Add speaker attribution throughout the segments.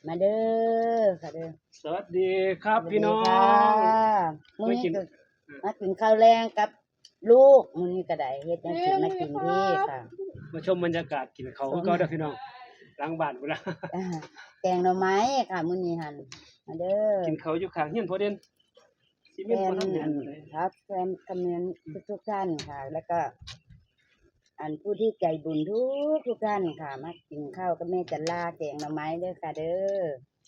Speaker 1: มาเด้อค่ะเด้อ
Speaker 2: สวัสดีครับพี่น้อ
Speaker 1: ค่ะ
Speaker 2: ง
Speaker 1: มื้อ
Speaker 2: ไม่
Speaker 1: นี้
Speaker 2: กิน
Speaker 1: ก็มากินข้าวแรงกับลูกมื้อนี้ก็ได้เฮ็ดแนวกินมากินพี่ค่ะ
Speaker 2: มาชมบรรยากาศกินเขาวคือเก่าเด้อพี่น้องหลังบ้านพุ่นล่ะ
Speaker 1: อ่าแกงหน่อไม้ค่ะมื้อนี้หั่นมาเด้อ
Speaker 2: กินเขาวอยู่ข้างเฮียนพอเด่นสิ
Speaker 1: แฟ
Speaker 2: มีคน
Speaker 1: น
Speaker 2: ทำงานบ่ได้
Speaker 1: ครับแฟนคำเนียนทุกท่านค่ะ แล้วก็อันผู้ที่ใจบุญทุกท่านค่ะมากินข้าวกับแม่จันลาแกงหน่อไม้เด้อค่ะเด้อ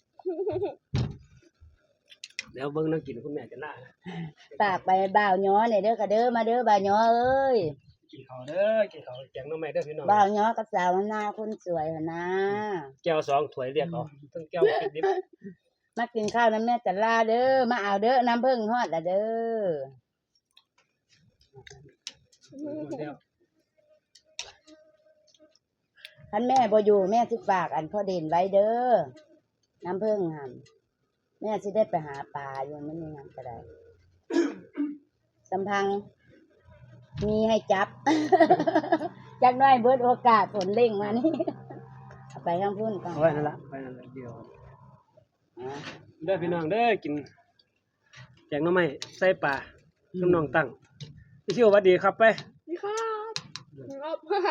Speaker 2: เดี๋ยวเบิ่งนั่งกินคุณแม่จะน่า
Speaker 1: ฝากไปบ่าวย้อเนี่ยเด้อค่ะเด้อมาเด้อบ่าวย้อเอ้ย
Speaker 2: กินเขาวเด้อกินเขาวแกงหน่อไม้เด้อพี่น้อง
Speaker 1: บ่าวย้อกับสาวหน้าคนสวยหั่นนะ
Speaker 2: แก้ว2ถ้วยเรียกเอาทั้งแก้วกินดิบ
Speaker 1: มากินข้าวน้ำแม่จันลาเด้อมาเอาเด้อน้ำผึ้งฮอดละเด้อ
Speaker 2: เดี๋ยว
Speaker 1: ท่านแม่บ่อยู่แม่สิฝากอันพ่อเด่นไว้เด้อน้ำผึ้งหั่นแม่สิได้ไปหาปลาอยู่มันนี่หั่นก็ได้สำพังมีให้จับ จักหน้อยเบิดโอกาสฝนเร่งมานี่ เอาไปข้างพุ่นก่อน
Speaker 2: เอาไว้นั่นล่ะไปนั่นล่ะเดียว
Speaker 1: อ่ะ
Speaker 2: เด้อพี่น้องเด้อกินแกงหน่อไม้ใส่ปลาน้ำน้องตั้งพี่ชิวสวัสดีครับไป
Speaker 3: นี่ครับครับ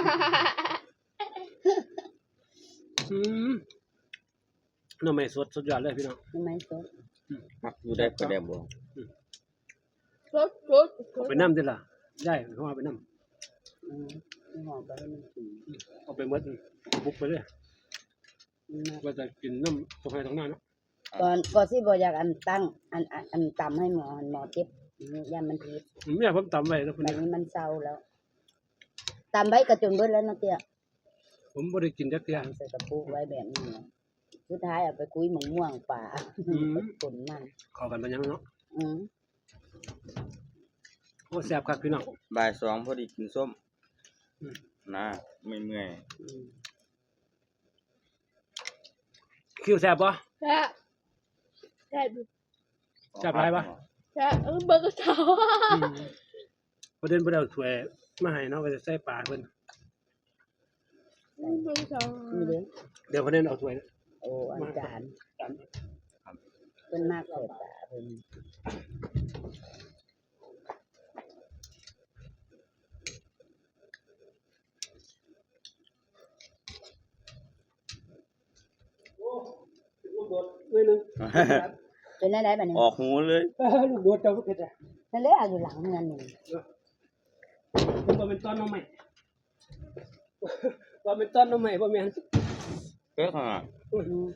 Speaker 2: อืมหน่อไม้สดสุดยอดเลยพี่น้อง
Speaker 1: ทำไมสด
Speaker 4: มักอยู่ได้ก็ได้บ่
Speaker 3: รถ
Speaker 2: เอาไปน้ำดิล่ะได้เขาเอาไปน้
Speaker 1: อืมหอมไปให้มันกิน
Speaker 2: ำเอาไปหมดบุกไปเลย
Speaker 1: มันมาก
Speaker 2: ว่าจะกินน้ำตรงไหนตรงหน้าเนาะ
Speaker 1: ก่อนสิบ่อยากอันตั้งอันตำให้หมอเจ็บย่ามันพิษ
Speaker 2: ผมอยากผมตำไว้แล้วคุณ
Speaker 1: แบบนี้มันเศร้าแล้วตำไว้กระจุนเบิดแล้วเนาะเตี้ย
Speaker 2: ผมบ่ได้กินจักเที่ย
Speaker 1: ตำใส่กระปุกไว้แบบนี้นะสุดท้ายเอาไปคุยหมงม่วงป่าผลมัน
Speaker 2: เข้ากันไปยังเนาะ
Speaker 1: อืม
Speaker 2: โอ้แซ่บคักพี่น้อง
Speaker 4: บ่าย2พอดีกินส้ม
Speaker 2: อืม
Speaker 4: นะไม่เมื่อย
Speaker 1: อืม
Speaker 2: คิวแซ่บบ่
Speaker 3: แช่แช่
Speaker 2: แซ่บหลายบ่
Speaker 3: แช่เบอร์กระเช้า
Speaker 2: ประเด็นบ่ได้เอาถ้วยมาให้เนาะว่าจะใส่ปลาเพิ่น
Speaker 3: เบอร์กระเช้า
Speaker 1: นี่เด้อ
Speaker 2: เดี๋ยวประเด็นเอาถ้วย
Speaker 1: โอ้อาจารย์
Speaker 2: ตาม
Speaker 1: เพิ่นมากเลยป่าเพิ่น
Speaker 2: โอ้ลูกโดดด้วยนึง
Speaker 1: เป็นได้บัดนี้
Speaker 4: ออกหูเลย
Speaker 2: ลูกโดดเจ้าก็เผ็ดอ่ะ
Speaker 1: นั่นแหละเอาอยู่หลังเงินนี่
Speaker 2: ผมบ่เป็นต้นหน่อไม้ว่าเป็นต้นหน่อไม้บ่แม่น
Speaker 4: เป๊กอ่ะ
Speaker 1: อืม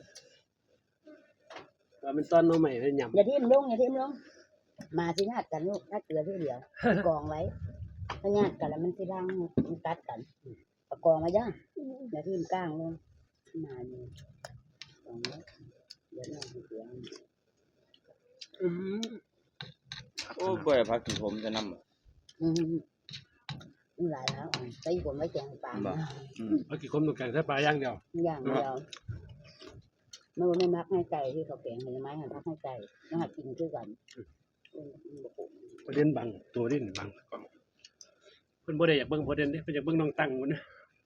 Speaker 2: ว่าเป็นต้นหน่อไม้ให้ยำ
Speaker 1: อย่าทิ่มลงมาสิญาติกันลูกถ้าเกลือที่เดียวกองไว้ถ้าญาติกันแล้วมันสิรังมันกัดกันเอากองไว้จ้ะอย่าทิ่มก้างลงมานี่กองไว้เดี๋ยวน้องสิเสียง
Speaker 2: อืม
Speaker 4: โอ้บ่ได้พักกินผมจะนำ
Speaker 1: อืมมันหลายแล้วอ่ะใส่ผมไว้แกงปลา
Speaker 4: บ่
Speaker 2: เอากี่คนต้องแกงใส่ปลาอย่างเดียว
Speaker 1: อย่างเดียวไม่มักให้ไก่ที่เขาแกงเห็นไหมหันพักให้ไก่ต้องหัดกินคือกัน
Speaker 2: ประเด็นบังตัวนี่บังกล้องเพิ่นบ่ได้อยากเบิ่งประเด็นเด้เพิ่นอยากเบิ่งน้องตั้งพุ่นนะ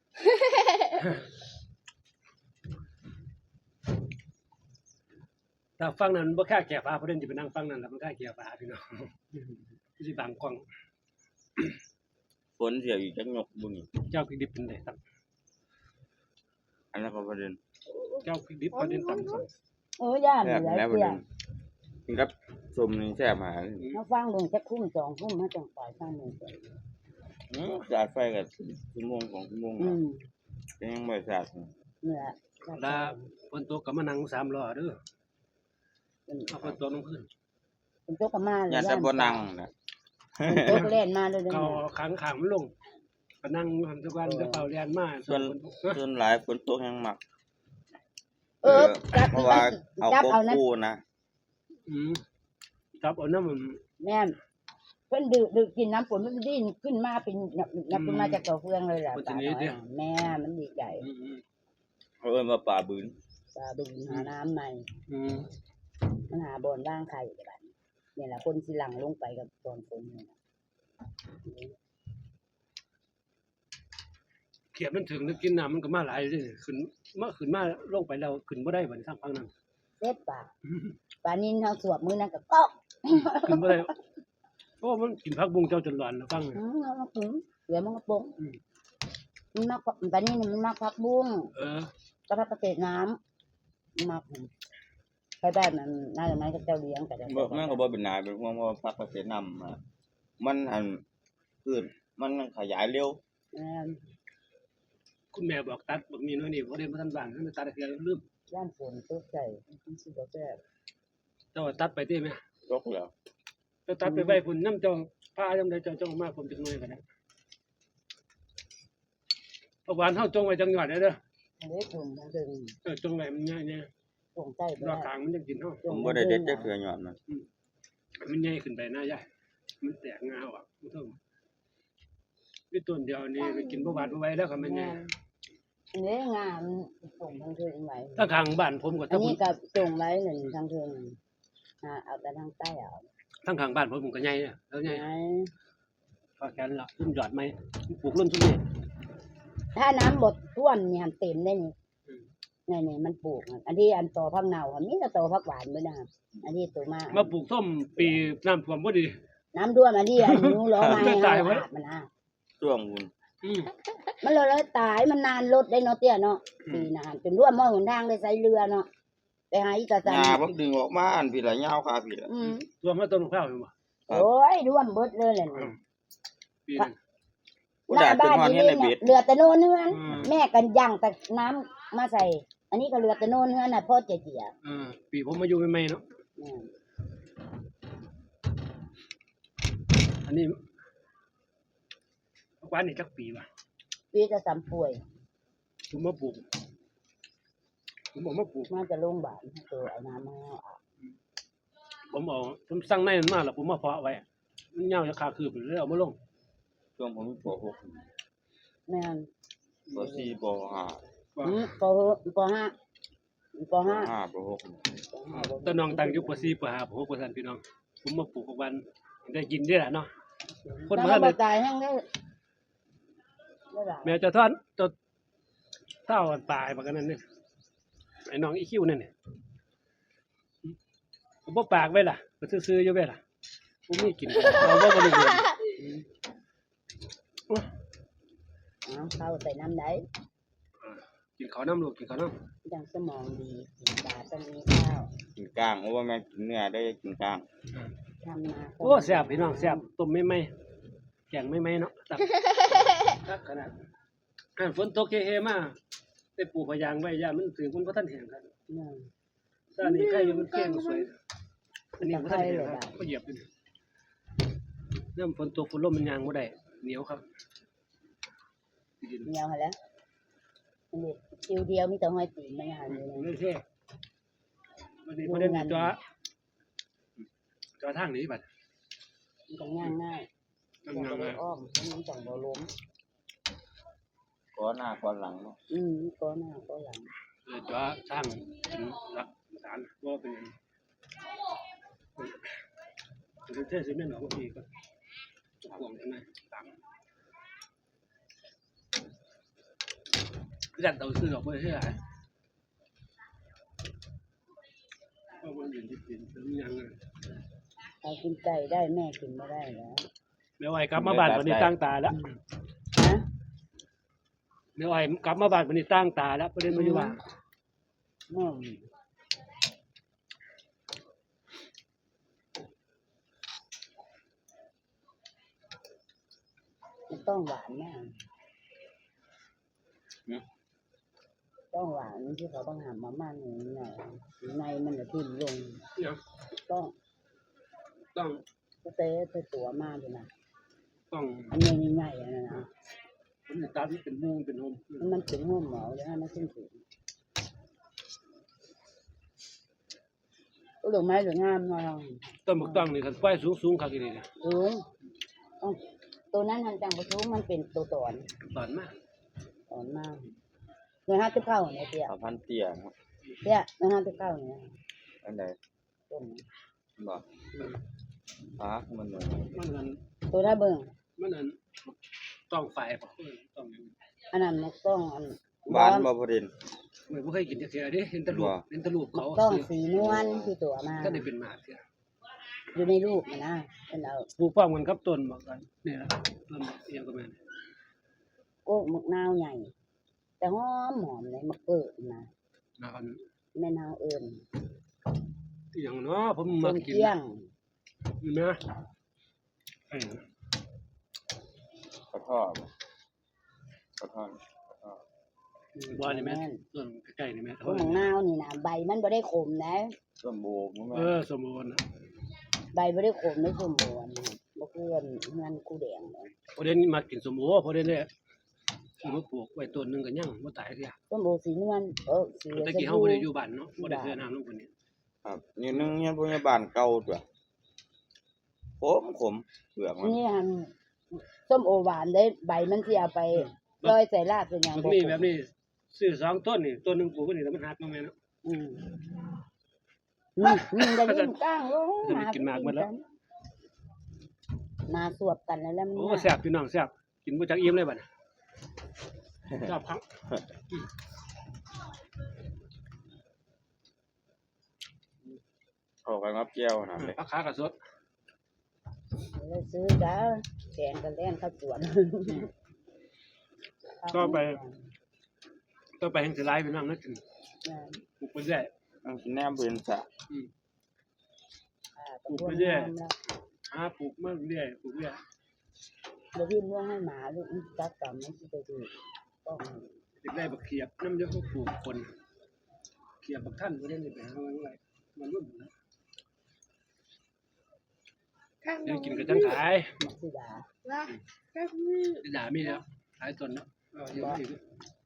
Speaker 2: ถ้าฟังนั้นบ่ค่าแก่ฟ้าประเด็นสิไปนั่งฟังนั้นแล้วมันค่าแก่ฟ้าพี่น้อง สิบังกล้อง
Speaker 4: ฝนเสียอยู่จักยกบุนี่
Speaker 2: เจ้าพริกดิบเป็นไดตั้ง
Speaker 4: อันนั้นก็ประเด็น
Speaker 2: เจ้าพริกดิบประเด็นตั้งสอง
Speaker 1: ย่าน
Speaker 4: แซ่บ
Speaker 1: เหลือ
Speaker 4: แล้วประ
Speaker 1: เสีย
Speaker 4: เด็นกินกับส้มนี่แซ่บหา
Speaker 1: มาฟังลงจะคุ้ม2 ทุ่มมาจังปล่อยฟังลงไป
Speaker 4: สาดไฟกับชั่วโมง2ชั่วโมง
Speaker 1: อืม
Speaker 4: ก็ยังบ่สาด
Speaker 1: เนื้อ
Speaker 2: ลาฝนตกก็มานั่ง3ล้อเด้อเอาฝนตกลงพื้น
Speaker 1: เป็นโต๊ะกมาเลย
Speaker 4: อย่าแต่บ่นั่งนะ
Speaker 1: โต๊ะเล่นมาเลย
Speaker 2: ก็ขังขางมันลงก็นั่งหันทุกวันจะเป่าเรียนมา
Speaker 4: ส่วน
Speaker 2: ฝนตก
Speaker 4: ส่วนหลายฝนตกยังมัก
Speaker 1: จับ
Speaker 4: เพราะว่าเอา
Speaker 1: จับ
Speaker 4: โก
Speaker 1: เอานะ
Speaker 4: กู้นะ
Speaker 2: จับเอาน้ำมัน
Speaker 1: แม่เพิ่นดื่มกินน้ำฝนมันดิ้นขึ้นมาเป็นนับขึ้นมาจากเต่าเฟืองเลยแหละปลาน้อยแม่มันดีใจ
Speaker 4: เขาเอิ้นว่าป่าบืน
Speaker 1: ปลาบึงหาน้ำใหม่มันหาบอนว่างไข่แบบนี่แหละคนสิหลังลงไปกับตอนฝนนี่นะ
Speaker 2: เขียดมันถึงนึกกินน้ำมันก็มาหลายเลยขึ้นมาลงไปแล้วขึ้นบ่ได้บัดนี้ทางฝั่งนั้น
Speaker 1: เซ็ตปลานินเฮาสวบมื้อนั้นก็ก๊อก
Speaker 2: ขึ้นบ่ได้โอ้มันกินผักบุ้งเจ้าจนหลอนแล้วฟัง
Speaker 1: เอามาถึงเดี๋ยวมันก็ปง
Speaker 2: อืม
Speaker 1: มันมักปลานินมันมักผักบุ้ง
Speaker 2: เออ
Speaker 1: ก็ผักเกษตรน้ำมันมักไปแบบนั้นน่าจะไม่ก็เจ้าเลี้ยงก็ได้
Speaker 4: บ่แม่นก็บ่เป็นนายเป็นพวกว่าพักเกษตรนำมันอันพืชมันขยายเร็ว
Speaker 2: คุณแม่บอกตัดบักนี้น้อยนี่บ่ได้บ่ทันว่างให้มันตัดเสียลืม
Speaker 1: ย่านฝนตกใจมันสิบ่แซ่บ
Speaker 2: เจ้าตัดไปติแม่
Speaker 4: ตกแล้ว
Speaker 2: เจ้าตัดไปไว้พุ่นนำเจ้าพายามใดเจ้ามาผมจักหน่อยก็ได้เอาหวานเฮาจงไว้จังหวัดเด้อ
Speaker 1: อันนี้ถุงทั้งถึง
Speaker 2: จงไว้มันใหญ่
Speaker 1: ถุงใต้
Speaker 2: ๆรอบกลางมันจะกินเฮา
Speaker 4: ผมบ่ได้เด็ดจักเทื่อยอดมัน
Speaker 2: มันใหญ่ขึ้นไปหน้ายายมันแตกงาออกมันเท่ามีต้นเดียวนี่ไปกินบ่หวานบ่ไหวแล้วก็มันใหญ่
Speaker 1: อันนี้งานส่งทางถึงไว้
Speaker 2: ถ้าข้างบ้านผมก็
Speaker 1: อั
Speaker 2: ถ้าน ผม
Speaker 1: นี้ก็ส่งไว้หนึ่งทางถึงเอาแต่ทางใต้เอา
Speaker 2: ทางข้างบ้านผมก็ใหญ่เนี่ยแล้วใหญ่
Speaker 1: ไหน
Speaker 2: พอแขนละรุ่นหยอดไหมปลูกรุ่นซุมนี้
Speaker 1: ถ้าน้ำบดท่วมเนี่ยเต็มได้นี่นี่มันปลูกอันที่อันต่อพักเนาอันนี้ก็ต่อพักหวานด้วยนะครับอันนี้ตัวมาก
Speaker 2: มาปลูกส้มปีน้ำท่วมบ่ดี
Speaker 1: น้ำท่วมอันนี้อันนู้ล้อมาให้
Speaker 2: ตายไว้
Speaker 1: มันอ่ะ
Speaker 4: ช่วงคุณ
Speaker 2: อืม
Speaker 1: มันเลยตายมันนานรถได้เนาะเตี้ยเนาะปีนานจนร่วมมอหนทางได้ใส่เรือเนาะไปหาอีกาจัน
Speaker 4: หญ้าผมดึงออกมาอันพี่ละยาวคาพี่ละ
Speaker 2: ท่วมมาต้นมะพร้าวอยู่บ่
Speaker 1: โอ้ยร่วมเบิดเลยแหละ
Speaker 2: ปีนึง
Speaker 4: บ่ได้เป็นฮอดเฮ็ดในเบ็ด
Speaker 1: เรือแต่โน่นเฮือน
Speaker 2: อืม
Speaker 1: แม่กันย่างแต่น้ำมาใส่ อันนี้ก็เรือแต่โน่นเฮือนน่ะพ่อเจีย
Speaker 2: ปีผมมาอยู่ใหม่ๆเนาะอันนี้กว่านี่จักปีว่ะ
Speaker 1: ปีจะสำป่วย
Speaker 2: ผมมาปลูกผมบอกมาปลูก
Speaker 1: มาจะโรงพยาบาลตัวเอาน้ำมาอาบ
Speaker 2: ผมสั่งในมันมาแล้วผมมาเพาะไว้มันยาวจะขาคืบเลยเอามาลง
Speaker 4: ช่วงผมป
Speaker 1: แม่น
Speaker 4: .6 ป .4 ป .5
Speaker 1: ปห้าปห้า
Speaker 4: ป .6
Speaker 2: ตอนน้องตั้งอยู่ป .4 ป .5 ป .6 ป .3 พี่น้องผมมาปลูกของวันได้กินได้ล่ะเนาะคน
Speaker 1: แล้ว
Speaker 2: มา
Speaker 1: ก็
Speaker 2: เล
Speaker 1: บ่
Speaker 2: ย
Speaker 1: ตายแห้งได้หลาย
Speaker 2: แม่จะทอนจะเท่ากันตายบักกันนั่นนี่ไอ้น้องอีคิวนั่นนี่ผมบ่ปากไว้ล่ะก็ซื่อๆอยู่ไว้ล่ะผมมีกินเราบ่ได้เงิน
Speaker 1: เอาเข้าใส่น้ำได้
Speaker 2: กินข้าวน้ำลูกกินข้าวน้ำ
Speaker 1: จังสมองดีกินปลาต้องมีข้าว
Speaker 4: กินกลางโอ้ว่าแม่กินเนื้อได้กินกลาง
Speaker 1: ทำนา
Speaker 2: โอ้แซ่บพี่น้องแซ่บต้มไม่ไหมแกงไม่ไหมเนาะตับตักขนาดฝนตกเฮๆมาได้ปลูกพะยางไว้ย่ามันถึงมันบ่ทันแห้งครับ
Speaker 1: เนี่ย
Speaker 2: ตอนนี้ใครอยู่มันเก่งสวยอันนี้บ่ทันแห้งครับก็เหยียบอยู่เริ่มฝนตกฝนลมมันยางบ่ได้เหนียวครับดิน
Speaker 1: เหนียวหาแล้วอันนี้คิวเดียวมีแต่ห้อยตีนไม่หันเลย
Speaker 2: ไม่ใช่วันนี้ประเด็นจอทางนี้บัด
Speaker 1: มันก็ง่ายง่าย
Speaker 2: ทาง
Speaker 1: มัน
Speaker 2: งา
Speaker 1: ก็
Speaker 2: ม
Speaker 1: ได้อ้อมมันจังบ่ล้ม
Speaker 4: ก้อนหน้าก้อนหลังเนาะ
Speaker 1: ก็หน้าก็หลัง
Speaker 2: จอทางเป็นหลักฐานว่าเป็นเป็นเทศซีเมนต์ออกทีก็ห่วงกันนะตามคือกันเตาซื้อออกไปเท่าไหร่ก็มันอยู่ที่ดินแล้วมันยังไง
Speaker 1: เอากินไก่ได้แม่กินไม่ได้แล้ว
Speaker 2: แม่อ้อยกลับมาบ้านวันนี้ตั้งตาแล้ว
Speaker 1: ฮะ
Speaker 2: แม่อ้อยกลับมาบ้านวันนี้ตั้งตาแล้วประเด็นมันอยู่ว่า
Speaker 1: มันต้องหวานมากต้องหวานที่เขาต้องหามมาม่าหนึ่งหน่อยในมันจะทิ่มลง
Speaker 2: เนี่ย
Speaker 1: ต้อง
Speaker 2: ต้อง
Speaker 1: เต้ไปตัวมากเลยนะ
Speaker 2: ต้อง
Speaker 1: อันนี้ง่ายๆนะนะ
Speaker 2: ผมจะตัดเป็นมุงเป็นโฮม
Speaker 1: มันเป็นห้มหมอแล้วมันขึ้นถึงหรือไม้หรืองามหน่อย
Speaker 2: ต้นบักต้องนี่กันไฟสูงๆครับทีนี้เนี่ย
Speaker 1: สูงตัวนั้นทันจังประตูมันเป็นตัวตอน
Speaker 2: ตอนมาก
Speaker 1: ตอนมากเงิน50เข้าเนี่ยเตี้ย
Speaker 4: เอาพันเตี้ยเนาะ
Speaker 1: เตี้ยเงิน50เข้าเนี่ย
Speaker 4: อันใด
Speaker 1: ต้น
Speaker 4: บ่มันหน่อย
Speaker 2: มันนั้น
Speaker 1: ตัวถ้าเบิ่ง
Speaker 2: มันนั้นต้องไฟป่ะต้อง
Speaker 1: อันนั้นมันต้องอัน
Speaker 4: หวานบ่ประเด็น
Speaker 2: ไม่เคยกินจักเทื่อเด้เห็นแตะลูก
Speaker 4: ว่า
Speaker 2: เห็นแตะลูก
Speaker 1: มัน
Speaker 2: เขา
Speaker 1: ต้องสีนวลที่ตัวมา
Speaker 2: ก็ได้เป็นหมากเทื่อ
Speaker 1: อยู่ในรูปมันนะเป็นเอา
Speaker 2: ปลูกพร้อมกันกับต้นบอกกันนี่ล่ะต้นเอียงก็แม่น
Speaker 1: โก้มะนาวใหญ่ แต่หอมเลยมะเกิดนะ
Speaker 2: แล้วอัน
Speaker 1: แม่นาวเอิญ
Speaker 2: อีหยังเนาะผม
Speaker 1: ต้
Speaker 2: มาน กิน
Speaker 1: เกี้ยง
Speaker 2: นี่นะไอ้
Speaker 4: กระท่อมกระท่อม
Speaker 2: บ่นี่แม่ต้นใกล้ๆนี่แม่
Speaker 1: พวกมะนาวนี่นะใบมันบ่ได้ขมนะ
Speaker 4: ส้มโบกมัน
Speaker 2: สมบูรณ์นะ
Speaker 1: ใบบ่ได้ขมไม่สมบูรณ์นะบ่คือเงินกูแดงเลย
Speaker 2: พอเด่นมากินสมบูรณ์พอเด่นเนี่ยคือมาปลูกไว้ต้นหนึงก็ยังบ่ตายเทื่อ
Speaker 1: ส้มโอสีนวลสี
Speaker 2: แต่กี้เฮาบ่ได้อยู่บ้านเนาะบ่ได้เทื่อน้ำลงคนนี้
Speaker 4: ครับนี่นึงเนี่ยพยาบาลเก่าตัวขมเปลือกมัน
Speaker 1: นี่ส้มโอหวานได้ใบมันสิเอาไปลอยใส่ลาบเป็นหยัง
Speaker 2: แบบนี้แบบนี้ซื้อ2ต้นนี่ต้นหนึงปลูกไว้นี่แล้วมันหักมาแม่เนาะ
Speaker 1: นี่ได้ยินก้างลง
Speaker 2: จะได้กินหมากหมดแล้ว
Speaker 1: มาสวบกันแล้วมัน
Speaker 2: โอ้แซ่บพี่น้องแซ่บกินบ่จักอิ่มเลยบัดนี้แซ่บครับ
Speaker 4: เข้ากันกับแก้วนะเลย
Speaker 2: ราคาก็สด
Speaker 1: เลยซื้อจ้าแกงกันแล่นข้าวสวน
Speaker 2: ต่อไปแห่งสิหลายพี่น้องนะกินปลูกไปเรื่อย
Speaker 4: มันสิแนมเป็นสะ
Speaker 1: ปลูกไปเรื่อย
Speaker 2: หาปลูกมาเรื่อยปลูกเรื่อย
Speaker 1: เดี๋ยวพี่เลี้ยงให้หมาลูกจักกรรมมันสิไปดูต้อง
Speaker 2: เด็กได้บักเขียบน้ำเยอะก็ปลูกคนเขียบบักท่านบ่ได้นี่ไปหามันไว้มันรุ่นนะ
Speaker 3: ข้าง
Speaker 2: เดี๋ยวกินก็จังขาย
Speaker 1: มักสิดา
Speaker 3: ละข้างนี้
Speaker 2: ด่ามีแล้วขายต้นแล้วเยอะอีก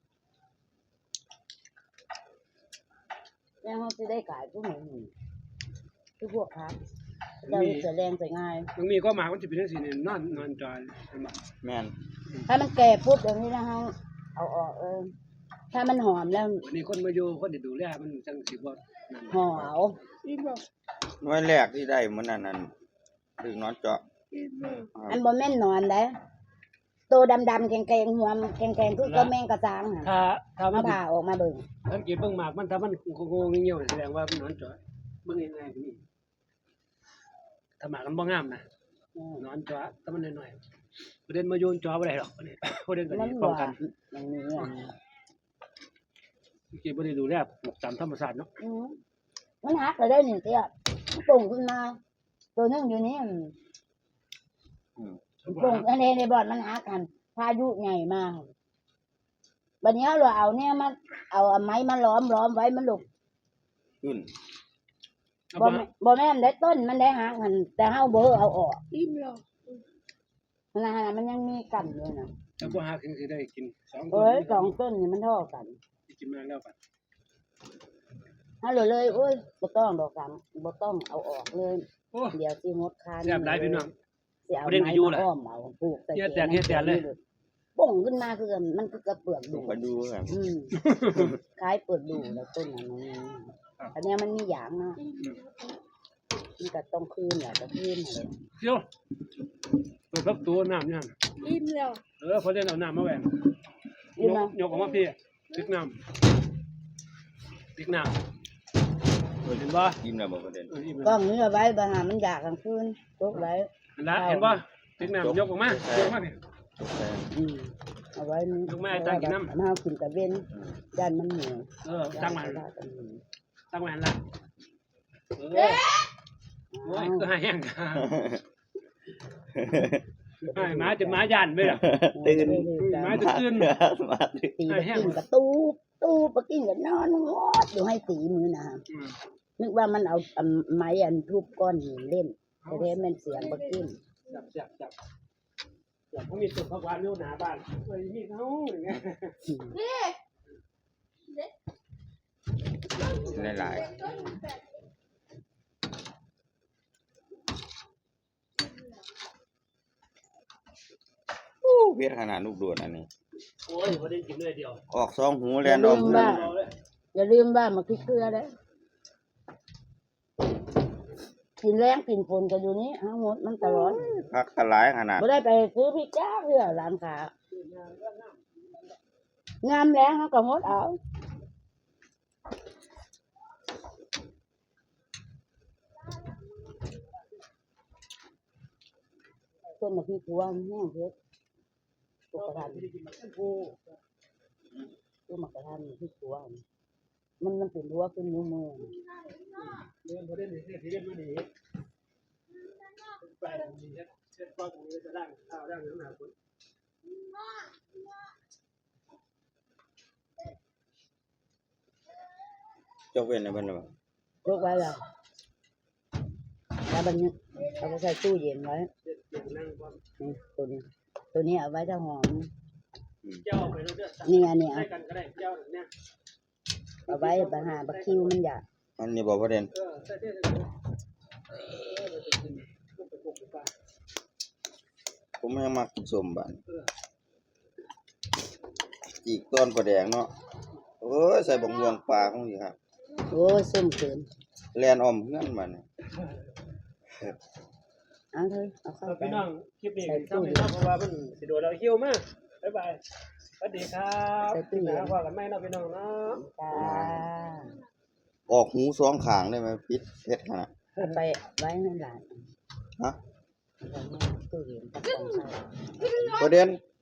Speaker 1: แล้วเขาจะได้ขายพวกนี้คือพวกค้าเราจะแรงจะง่าย
Speaker 2: บางมีก็มามันจะเป็นจังซี่นี่นอนจอยเห็นบ่
Speaker 4: แม่น
Speaker 1: ถ้ามันแก่ปุ๊บอย่างนี้นะฮะเอาออกถ้ามันหอมแล้ว
Speaker 2: วันนี้คนมาอยู่คนที่ดูแลมันจังสิบ่นั่น
Speaker 1: ห่อเอา
Speaker 3: อีบอก
Speaker 4: หน่วยแรกที่ได้มื้อนั้นถึงนอนเจาะ
Speaker 3: อีบอก
Speaker 1: อันบ่แม่นนอนได้ตัวดำๆแข็งๆหัวแข็งๆคือก็แมงกระจางน่ะ
Speaker 2: ถ้ามั
Speaker 1: มาน ผ่าออกมาเบิ่ง
Speaker 2: สังเกตเบิ่งหมากมันถ้ามันโง่ๆเงี้ยวๆแสดงว่ามันนอนจอยเบิ่งง่ายๆก็มีถ้าหมากมันบ่งามนะนอนจอยถ้ามันน้อยๆประเด็นมาโยนจอบ่ได้หรอกอันนี้ประเด็นก็
Speaker 1: มัน
Speaker 2: ดี
Speaker 1: ห
Speaker 2: ป้อง
Speaker 1: วา
Speaker 2: กัน
Speaker 1: นอย่างนี้อ่ะ
Speaker 2: เมื่อกี้บ่ได้ดูแลปลูกตามธรรมชาติเนาะ
Speaker 1: มันหักเลยได้นี่เตี้ยปุ่งขึ้นมา ตัวนึงอยู่นี่
Speaker 4: อืม
Speaker 1: ปุ่งอันนี้ในบ่อนมันหักกันพายุใหญ่มากบัดนี้เราเอาเนี่ยมาเอาไม้มาล้อมไว้มันหลบ
Speaker 4: ขึ้น
Speaker 1: บ่แม่นได้ต้นมันได้หักหันแต่เฮาบ่เอาออก
Speaker 3: อีบอก
Speaker 1: นะฮะมันยังมีกันอยู่นะ
Speaker 2: ถ้าบ่หาถึงสิได้กิน2
Speaker 1: เอ้ย2ต้นนี่มันเท่ากัน
Speaker 2: กินมาแล้วกัน
Speaker 1: เฮาเลยโอ้ยบ่ต้องดอกสามบ่ต้องเอาออกเลย
Speaker 2: โอ้
Speaker 1: เดี๋ยวสิงดคาน
Speaker 2: แซ่บหลายพี่น้อง
Speaker 1: สิเอา
Speaker 2: ประเด็นก็
Speaker 1: ไม้
Speaker 2: อยู่
Speaker 1: มา
Speaker 2: ล่ะ
Speaker 1: อ้อมเอาปลูกใส่
Speaker 2: เฮ็ดแตกเลย
Speaker 1: ป่งขึ้นมาคือมันคือกระเปลือก
Speaker 4: ดู
Speaker 1: ดู
Speaker 4: ไปดูครับ
Speaker 1: คล้ายเปลือกดูแล้วต้นนั้นอันเนี้ยมันมีหยางนะมันก็ต้องคืนแหละก็คืนเลย
Speaker 2: เดี๋ยวเปิดพักตัวน้ำเนี่ย
Speaker 3: อีแล้ว
Speaker 2: พอได้เอาน้ำมาแหวน
Speaker 1: นี่
Speaker 2: ย
Speaker 1: มาก
Speaker 2: ออกมาพี่พริกน้ำเห็นบ่
Speaker 4: ยิ้มแล้วบ่ประเด็น
Speaker 2: อิ่ม
Speaker 1: กล้องนี้เอาไว้บางหามันอยากกลางคืนตกไว้
Speaker 2: เห็นบ่พริกน้ำยกออกมาพี่
Speaker 1: เอาไว้นี่
Speaker 2: ยกมาให้ตั้งกินน้ำ
Speaker 1: เอากินกับเว้นย่านมันเหนียว
Speaker 2: ตั้งมาหันละโอ้ยก็ให้แห้งให้หมาจะหมาย่านไปอ่ะ
Speaker 4: ตื่น
Speaker 2: หมาจะตื่น
Speaker 4: มาตื่น
Speaker 1: ตีไปกินกับตู้ไปกินกับนอนงอดอยู่ให้ตีมือนะนึกว่ามันเอาไม้อันทุบก้อนหินเล่นแต่แท้มันเสียงบักกิน
Speaker 2: จับเขามีต้นผักหวานอยู่หน้าบ้านเฮ้ยมีเขาอย่างเงี้ย
Speaker 4: หลายๆเวียดขนาดลูกโดดอันนี้
Speaker 2: โอ้ยพอได้กินเลยเดียว
Speaker 4: ออก2หูแลนออกหู
Speaker 1: อย่าลืมว่ามาคิดเกลือเลยกินแรงกินฝนกันอยู่นี้ทั้งหมดมันตลอด
Speaker 4: พักกะหลายขนาด
Speaker 1: ไม่ได้ไปซื้อพริกจ้าเพื่อร้านค้างามแล้วเขาก็งดเอาต้นมะพริกพวงแห้งเพชรปกติ
Speaker 2: ไม่ได้กินมันโอ้
Speaker 1: ต้นมะกระทันมะพริกพวงมันเป็นรั้วขึ้นนิ้วมือ
Speaker 2: เรื่องประเด็นนี้ที่เรียนมาดีไปตรงนี้เช็ดก้อนตรงนี้จะร่างข้าวร่างน้ำหนักคน
Speaker 4: ยกเว้นในเพิ่นน่ะบ่
Speaker 1: ยกไว้แล้วแล้วมันเอาไปใส่ตู้เย็นไว้
Speaker 2: เช็ดนั่งความ
Speaker 1: นี่ตัวนี้เอาไว้จะหอม
Speaker 2: เจ้าไปแล้วเด้อ
Speaker 1: นี่อันนี้
Speaker 2: ใส่กันก็ได้เจ้าเนี่ย
Speaker 1: เอาไว้บะหาบะคิวมันอยาก
Speaker 4: อันนี้บ่ประเด็น
Speaker 2: ใส่เท่เลยเราจะกินลูกไปปลูกไปป่า
Speaker 4: ผมยังมักกินส้มบานจีกต้นปลาแดงเนาะโอ้ยใส่บักม่วงปลาของอีกครับ
Speaker 1: โอ้ยส้มเกิน
Speaker 4: แล่นอ้อมเฮือนบัดนี้
Speaker 1: เอาเถอะเอาเข้าไป
Speaker 2: พี่น้องคลิปนี้ทำให้น้องเพราะว่ามันสิโดนเราเหี่ยวมากบ๊ายบายสวัสดีครับนะว่ากันไม่เนาะพี่น้องเนาะ
Speaker 1: จ้า
Speaker 4: ออกหูสองข้างได้ไหมปิดเฮ็ดขนาด
Speaker 1: เอาไปไว้ให้หลาน
Speaker 4: ฮะ
Speaker 1: เอาไว้ในตู้เย็นกับของใส่
Speaker 4: ประเด็น